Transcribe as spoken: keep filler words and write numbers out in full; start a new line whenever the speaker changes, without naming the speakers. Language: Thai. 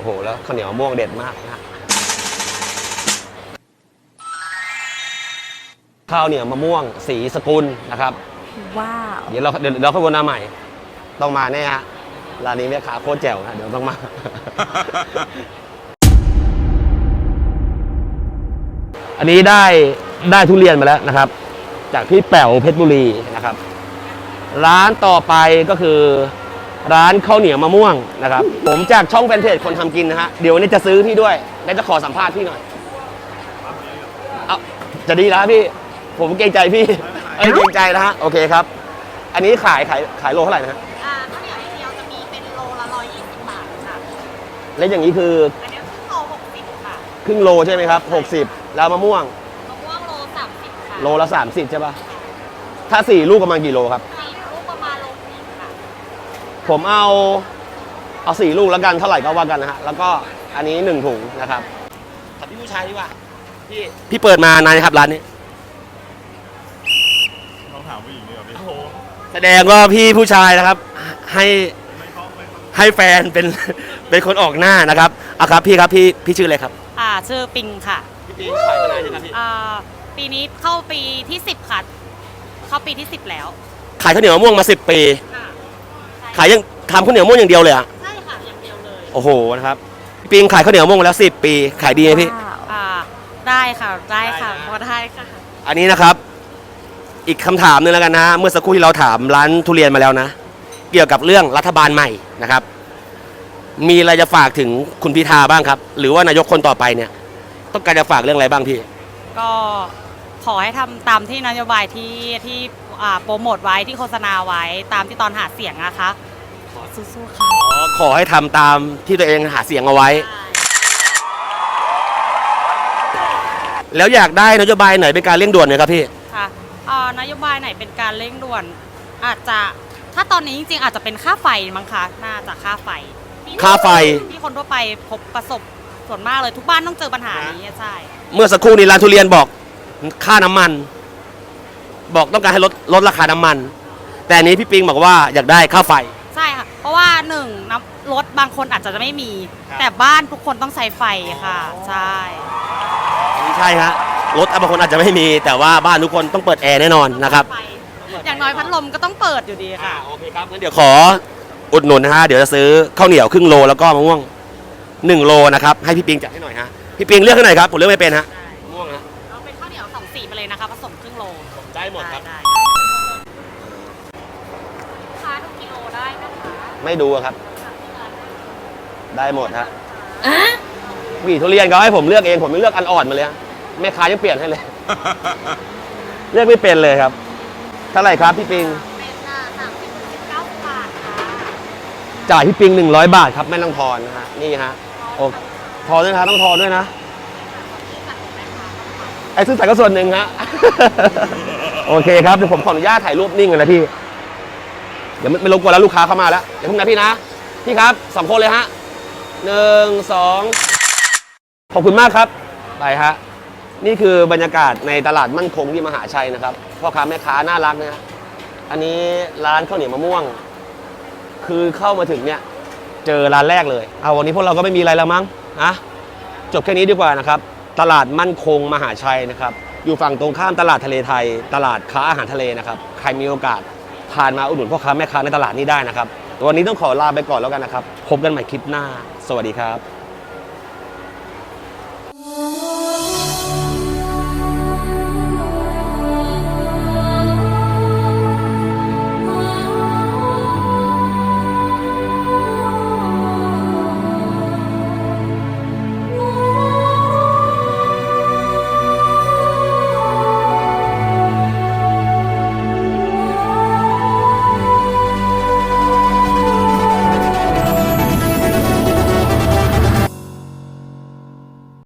โอ้โหแล้วข้าวเหนียวมะม่วงเด็ดมากนะข้าวเหนียวมะม่วงสีสกุลนะครับ
ว้าว
เดี๋ยวเราเดี๋ยวเราขบวนหน้าใหม่ต้องมาแน่ฮะร้านนี้แม่ค้าโคตรแจ๋วนะเดี๋ยวต้องมา อันนี้ได้ได้ทุเรียนมาแล้วนะครับจากพี่แป๋วเพชรบุรีนะครับร้านต่อไปก็คือร้านข้าวเหนียวมะม่วงนะครับผมจากช่องแฟนเพจคนทำกินนะฮะเดี๋ยววันนี้จะซื้อพี่ด้วยและจะขอสัมภาษณ์พี่หน่อยเอาจะดีแล้วพี่ผมเกรงใจพี่เอ้ยเกรงใจนะฮะโอเคครับอันนี้ขายขายขายโลเท่าไหร่นะฮะ
อ่าข้าวเหนียวอย่างเดียวจะมีเป็นโลละร้อยยี่สิบบาทค่ะ
และอย่างนี้คือ
อันนี้ครึ่งโลหกสิบค่ะ
ครึ่งโลใช่ไหมครับหกสิบแล้วมะม่วง
มะม่วงโลสามสิบค่ะ
โลละสามสิบใช่ป่ะถ้าสี่ลูกประมาณกี่โลครับ
สี่ลูกประมาณโลนึงค่ะ
ผมเอาเอาสี่ลูกแล้วกันเท่าไหร่ก็ว่ากันนะฮะแล้วก็อันนี้หนึ่งถุงนะครับถามพี่ผู้ชายดีกว่าพี่พี่เปิดมานานครับร้านนี้
ต้องถามผู้หญิงดีกว่าพี่
แสดงว่าพี่ผู้ชายนะครับให้ให้แฟนเป็นเป็นคนออกหน้านะครับอ่ะครับพี่ครับพี่พี่ชื่ออะไรครับ
อ่าชื่อปิงค่ะ
พี่ปิงขายมานานยังครับพี่
อ่าปีนี้เข้าปีที่สิบค่ะเข้าปีที่สิบแล้ว
ขายข้าวเหนียวมะม่วงมาสิบปีขายยังทำข้าวเหนียวมะม่วงอย่างเดียวเลยอ่ะ
ใช่ค่ะอย่างเดียวเลย
โอ้โหนะครับพี่ปิงขายข้าวเหนียวมะม่วงมาแล้วสิบปีขายดีไหมพี่
อ่าได้ค่ะได้ค่ะพอได้ค่ะ
อันนี้นะครับอีกคำถามนึงแล้วกันนะเมื่อสักครู่ที่เราถามร้านทุเรียนมาแล้วนะเกี่ยวกับเรื่องรัฐบาลใหม่นะครับมีอะไรจะฝากถึงคุณพิธาบ้างครับหรือว่านายกคนต่อไปเนี่ยต้องการจะฝากเรื่องอะไรบ้างพี่
ก็ขอให้ทำตามที่นโยบายที่ที่โปรโมทไว้ที่โฆษณาไว้ตามที่ตอนหาเสียงนะคะขอสู้ๆค่ะ
ขอให้ทำตามที่ตัวเองหาเสียงเอาไว้แล้วอยากได้นโยบายไหนเป็นการเร่งด่วนไหมครับพี่
ค่ะนโยบายไหนเป็นการเร่งด่วนอาจจะถ้าตอนนี้จริงๆอาจจะเป็นค่าไฟมั้งคะน่าจะค่าไฟ
ค่าไฟ
ที่คนทั่วไปพบประสบส่วนมากเลยทุกบ้านต้องเจอปัญหานี้ใช่
เมื่อสักครู่นี้ร้านทุเรียนบอกค่าน้ำมันบอกต้องการให้ลดลดราคาน้ำมันแต่นี้พี่ปิงบอกว่าอยากได้ค่าไฟ
ใช่ค่ะเพราะว่าหนึ่งน้ำรถบางคนอาจจะไม่มีแต่บ้านทุกคนต้องใช้ไฟค่ะใช่
ไม่ใช่ฮะรถบางคนอาจจะไม่มีแต่ว่าบ้านทุกคนต้องเปิดแอร์แน่นอนนะครับ
อย่างน้อยพัดลมก็ต้องเปิดอยู่ดีค่ะ
โอเคครับงั้นเดี๋ยวขออุดหนุนนะฮะเดี๋ยวจะซื้อข้าวเหนียวครึ่งโลแล้วก็มะม่วงหนึ่งโลนะครับให้พี่ปิงจัดให้หน่อยฮะพี่ปิงเลือกให้หน่อยครับผมเลือกไม่เป็นฮะม่วงนะ
เราเป็นข้าวเหนียวสองสีไปเลยนะคะผสมครึ่งโล
ได้หมดครับ
ค้าดูกิโลได้นะคะ
ไม่ดูครับได้หมดฮะหวีทุเรียนเขาให้ผมเลือกเองผมไม่เลือกอันอ่อนมาเลยแม่ค้ายังเปลี่ยนให้เลยเลือกไม่เป็นเลยครับเท่าไหร่ครับพี่ปิง
เป็นสามสิบถึงเก้าสิบบาทค่ะ
จ่ายพี่ปิงหนึ่งร้อยบาทครับไม่ต้องทอนนะฮะนี่ฮะโอ้ทอนด้วยนะต้องทอนด้วยนะไอ้ซื้อใส่ก็ส่วนหนึ่งฮะโอเคครับเดี๋ยวผมขออนุญาตถ่ายรูปนิ่งกันนะพี่เดี๋ยวไม่รบกวนแล้วลูกค้าเข้ามาแล้วเดี๋ยวพุ่งนะพี่นะพี่ครับสองคนเลยฮะหนึ่งสองขอบคุณมากครับไปฮะนี่คือบรรยากาศในตลาดมั่นคงที่มหาชัยนะครับพ่อค้าแม่ค้าน่ารักนะอันนี้ร้านข้าวเหนียวมะม่วงคือเข้ามาถึงเนี่ยเจอร้านแรกเลยเอาวันนี้พวกเราก็ไม่มีอะไรแล้วมั้งนะจบแค่นี้ดีกว่านะครับตลาดมั่นคงมหาชัยนะครับอยู่ฝั่งตรงข้ามตลาดทะเลไทยตลาดค้าอาหารทะเลนะครับใครมีโอกาสผ่านมาอุดหนุนพ่อค้าแม่ค้าในตลาดนี้ได้นะครับวันนี้ต้องขอลาไปก่อนแล้วกันนะครับพบกันใหม่คลิปหน้าสวัสดีครับ